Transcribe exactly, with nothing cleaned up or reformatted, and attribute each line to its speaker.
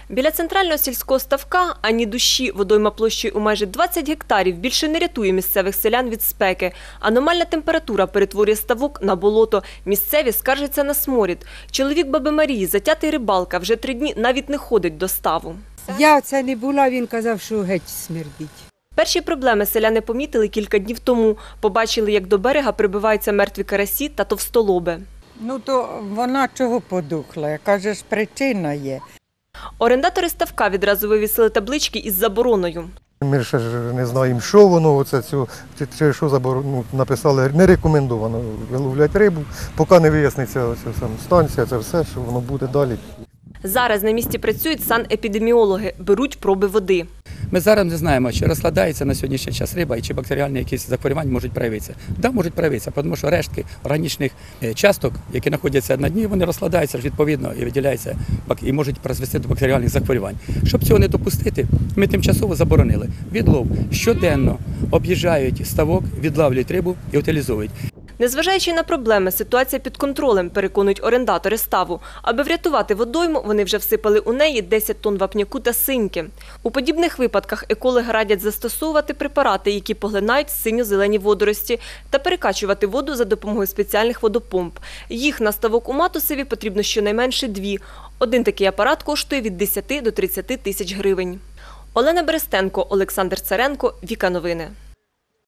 Speaker 1: Біля центрального сільського ставка ані душі, водойма площею у майже двадцять гектарів більше не рятує місцевих селян від спеки. Аномальна температура перетворює ставок на болото. Місцеві скаржаться на сморід. Чоловік баби Марії, затятий рибалка, вже три дні навіть не ходить до ставу.
Speaker 2: Я це не була, він казав, що геть смердить.
Speaker 1: Перші проблеми селяни помітили кілька днів тому. Побачили, як до берега прибиваються мертві карасі та товстолоби.
Speaker 3: Ну то вона чого подухла? Яка ж причина є?
Speaker 1: Орендатори ставка відразу вивісили таблички із забороною.
Speaker 4: Ми ще ж не знаємо, що воно, оце, цю, чи що забор... ну, написали, не рекомендовано виловляти рибу, поки не виясниться оця сам станція, це все, що воно буде далі.
Speaker 1: Зараз на місці працюють санепідеміологи, беруть проби води.
Speaker 5: Ми зараз не знаємо, чи розкладається на сьогоднішній час риба і чи бактеріальні якісь захворювання можуть проявитися. Так, можуть проявитися, тому що рештки органічних часток, які знаходяться на дні, вони розкладаються відповідно і виділяються і можуть призвести до бактеріальних захворювань. Щоб цього не допустити, ми тимчасово заборонили відлов. Щоденно об'їжджають ставок, відлавлюють рибу і утилізують.
Speaker 1: Незважаючи на проблеми, ситуація під контролем, переконують орендатори ставу. Аби врятувати водойму, вони вже всипали у неї десять тонн вапняку та синьки. У подібних випадках екологи радять застосовувати препарати, які поглинають синьо-зелені водорості, та перекачувати воду за допомогою спеціальних водопомп. Їх на ставок у Матусеві потрібно щонайменше дві. Один такий апарат коштує від десяти до тридцяти тисяч гривень. Олена Берестенко, Олександр Царенко, Віка Новини.